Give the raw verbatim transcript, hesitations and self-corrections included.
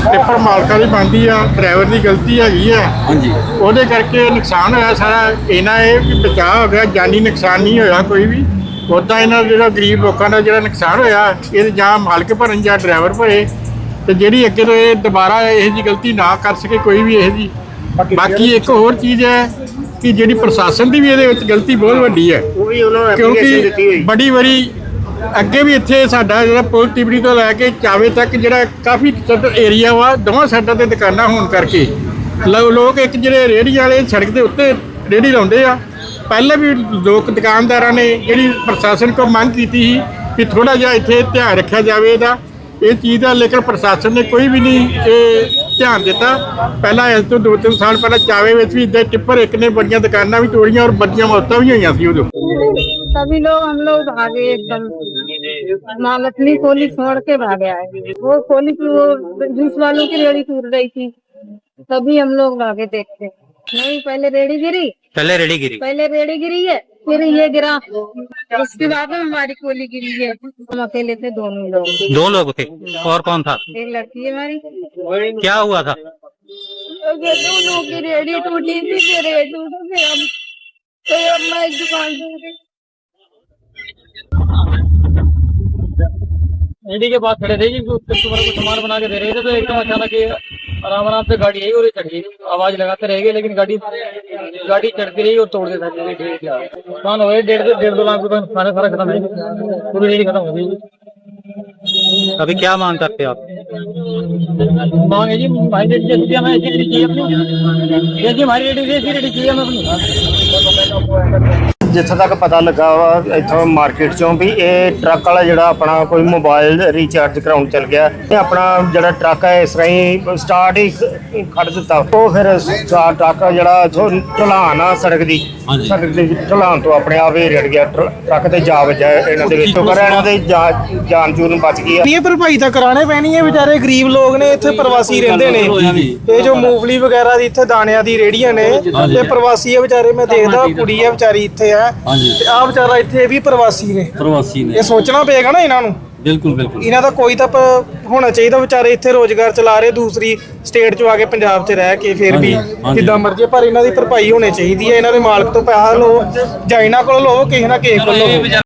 Tipper ਮਾਲਕਾਂ ਦੀ ਬਣਦੀ ਆ, ਡਰਾਈਵਰ ਦੀ ਗਲਤੀ ਹੈਗੀ ਆ। ਹਾਂਜੀ ਉਹਦੇ ਕਰਕੇ ਨੁਕਸਾਨ ਹੋਇਆ ਸਾਰਾ। ਇਹਨਾਂ ਇਹ ਵੀ ਬਚਾਅ ਹੋ ਗਿਆ, ਜਾਨੀ ਨੁਕਸਾਨ ਨਹੀਂ ਹੋਇਆ ਕੋਈ ਵੀ। ਉੱਦਾਂ ਇਹਨਾਂ ਦਾ ਜਿਹੜਾ ਗਰੀਬ ਲੋਕਾਂ ਦਾ ਜਿਹੜਾ ਨੁਕਸਾਨ ਹੋਇਆ, ਇਹ ਜਾਂ ਮਾਲਕ ਭਰਨ ਜਾਂ ਡਰਾਈਵਰ ਭਰੇ। ਤੇ ਜਿਹੜੀ ਅੱਗੇ ਤੋਂ ਇਹ ਦੁਬਾਰਾ ਇਹੋ ਜਿਹੀ ਗਲਤੀ ਨਾ ਕਰ ਸਕੇ ਕੋਈ ਵੀ ਇਹੋ ਜਿਹੀ। ਬਾਕੀ ਇੱਕ ਹੋਰ ਚੀਜ਼ ਹੈ ਕਿ ਜਿਹੜੀ ਪ੍ਰਸ਼ਾਸਨ ਦੀ ਵੀ ਇਹਦੇ ਵਿੱਚ ਗਲਤੀ ਬਹੁਤ ਵੱਡੀ ਹੈ, ਉਹ ਵੀ ਉਹਨਾਂ ਨੂੰ ਐਪਲੀਕੇਸ਼ਨ ਦਿੱਤੀ ਕਿਉਂਕਿ ਹੋਈ। ਬੜੀ ਵਾਰੀ ਅੱਗੇ ਵੀ ਇੱਥੇ ਸਾਡਾ ਜਿਹੜਾ ਪੁਲ ਤਿਬੜੀ ਤੋਂ ਲੈ ਕੇ ਚਾਵੇ ਤੱਕ ਜਿਹੜਾ ਕਾਫੀ ਏਰੀਆ ਵਾ, ਦੋਵਾਂ ਸਾਈਡਾਂ ਤੇ ਦੁਕਾਨਾਂ ਹੋਣ ਕਰਕੇ ਲੋ- ਲੋਕ ਇੱਕ ਜਿਹੜੇ ਰੇਹੜੀਆਂ ਵਾਲੇ ਸੜਕ ਦੇ ਉੱਤੇ ਰੇਹੜੀ ਲਾਉਂਦੇ ਆ। ਪਹਿਲਾਂ ਵੀ ਲੋਕ ਦੁਕਾਨਦਾਰਾਂ ਨੇ ਜਿਹੜੀ ਪ੍ਰਸ਼ਾਸਨ ਕੋਲ ਮੰਗ ਕੀਤੀ ਸੀ ਕਿ ਥੋੜਾ ਜਿਹਾ ਇੱਥੇ ਧਿਆਨ ਰੱਖਿਆ ਜਾਵੇ ਇਹਦਾ, ਇਹ ਚੀਜ਼ ਦਾ, ਲੇਕਿਨ ਪ੍ਰਸ਼ਾਸਨ ਨੇ ਕੋਈ ਵੀ ਨਹੀਂ ਇਹ ਧਿਆਨ ਦਿੱਤਾ। ਪਹਿਲਾਂ ਇਸ ਤੋਂ ਦੋ ਤਿੰਨ ਸਾਲ ਪਹਿਲਾਂ ਚਾਵੇ ਵਿੱਚ ਵੀ ਇੱਦਾਂ ਟਿੱਪਰ ਇੱਕ ਨੇ ਬੜੀਆਂ ਦੁਕਾਨਾਂ ਵੀ ਤੋੜੀਆਂ ਔਰ ਵੱਡੀਆਂ ਮੌਤਾਂ ਵੀ ਹੋਈਆਂ ਸੀ ਉਦੋਂ। सभी लोग हम लोग भागे एकदम। महालक्ष्मी खोली छोड़ के भागे आए। वो खोली वो जूस वालों की रेड़ी टूट रही थी, तभी हम लोग भागे देखते। नहीं, पहले रेड़ी गिरी, पहले रेडी गिरी। पहले रेड़ी गिरी है, फिर ये गिरा, उसके बाद में हमारी कोली गिरी है। हम अकेले थे, दोनों लोग। दो लोग थे और कौन था? एक लड़की है हमारी। क्या हुआ था? दोनों की रेड़ी टूटी थी, फिर रेड़ी टूटी, फिर हम फिर अब मैं एक दुकान से रेडी के पास खड़े थे जी, कस्टमर को सामान बना के दे रहे थे, तो एकदम अचानक ये आराम आराम से गाड़ी आई और ये चढ़ गई। आवाज लगाते रह गए, लेकिन गाड़ी गाड़ी चढ़ती रही और तोड़ देता नुकसान हो गए। डेढ़ डेढ़ दो लाख रुपए नुकसान सारा खत्म है, पूरी रेडी खत्म हो गई। अभी क्या मांग करते हो आप? मांग है जी भाई रेडी जैसी हमें ऐसी रेडी चाहिए अपनी, जैसी हमारी रेडी ऐसी रेडी चाहिए हमें अपनी। ਜਿੱਥੇ ਤੱਕ ਪਤਾ ਲੱਗਾ ਵਾ ਇੱਥੋਂ ਮਾਰਕੀਟ ਚੋਂ ਵੀ ਇਹ ਟਰੱਕ ਵਾਲਾ ਜਿਹੜਾ ਆਪਣਾ ਕੋਈ ਮੋਬਾਈਲ ਰੀਚਾਰਜ ਕਰਾਉਣ ਚਲ ਗਿਆ। ਇਹ ਆਪਣਾ ਜਿਹੜਾ ਟਰੱਕ ਹੈ ਇਸ ਰਾਹੀਂ ਸਟਾਰਟ ਹੀ ਖੜ ਦਿੱਤਾ। ਉਹ ਫਿਰ ਸਟਾਰ ਟਰੱਕ ਜਿਹੜਾ ਇੱਥੋਂ ਢਲਾਨ ਆ ਸੜਕ ਦੀ, ਸੜਕ ਦੀ ਢਲਾਨ ਤੋਂ ਆਪਣੇ ਆਪ ਹੀ ਰੜ ਗਿਆ। ਟਰ- ਟਰੱਕ ਤੇ ਜਾ ਵੱਜਾ ਇਹਨਾਂ ਦੇ ਵਿੱਚ। ਪਰ ਇਹਨਾਂ ਦੇ ਜਾ- ਜਾਨ ਜੂਨ ਬਚ ਗਈ ਆ। ਇਹ ਭਰਪਾਈ ਤਾਂ ਕਰਾਣੇ ਪੈਣੀ ਹੈ। ਵਿਚਾਰੇ ਗਰੀਬ ਲੋਕ ਨੇ, ਇੱਥੇ ਪ੍ਰਵਾਸੀ ਰਹਿੰਦੇ ਨੇ। ਇਹ ਜੋ ਮੂੰਗਫਲੀ ਵਗੈਰਾ ਦੀ ਇੱਥੇ ਦਾਣਿਆਂ ਦੀ ਰੇੜੀਆਂ ਨੇ, ਇਹ ਪ੍ਰਵਾਸੀ ਆ ਵਿਚਾਰੇ। ਮੈਂ ਦੇਖਦਾ ਕੁੜੀ ਆ ਵਿਚਾਰੀ ਇੱਥੇ ਆ, ਤੇ ਆ ਵਿਚਾਰਾ ਇੱਥੇ ਵੀ ਪ੍ਰਵਾਸੀ ਨੇ। प्रवासी ने ਇਹ ਸੋਚਣਾ ਪਏਗਾ ਨਾ ਇਹਨਾਂ ਨੂੰ। बिल्कुल बिल्कुल ਇਹਨਾਂ ਦਾ ਕੋਈ ਤਾਂ ਪ- ਹੋਣਾ ਚਾਹੀਦਾ। ਵਿਚਾਰੇ ਇੱਥੇ ਰੋਜ਼ਗਾਰ ਚਲਾ ਰਹੇ, ਦੂਸਰੀ ਸਟੇਟ ਚੋਂ ਆ ਕੇ ਪੰਜਾਬ 'ਚ ਰਹਿ ਕੇ ਫਿਰ ਵੀ ਜਿੱਦਾਂ ਮਰਜ਼ੀ, ਪਰ ਇਹਨਾਂ ਦੀ ਭਰਪਾਈ ਹੋਣੀ ਚਾਹੀਦੀ ਹੈ। ਇਹਨਾਂ ਦੇ ਮਾਲਕ ਤੋਂ ਪੈਸਾ ਲਓ ਜਾਂ ਇਹਨਾਂ ਕੋਲ ਲਓ, ਕਿਸੇ ਨਾ ਕਿਸੇ ਕੋਲ ਲਓ।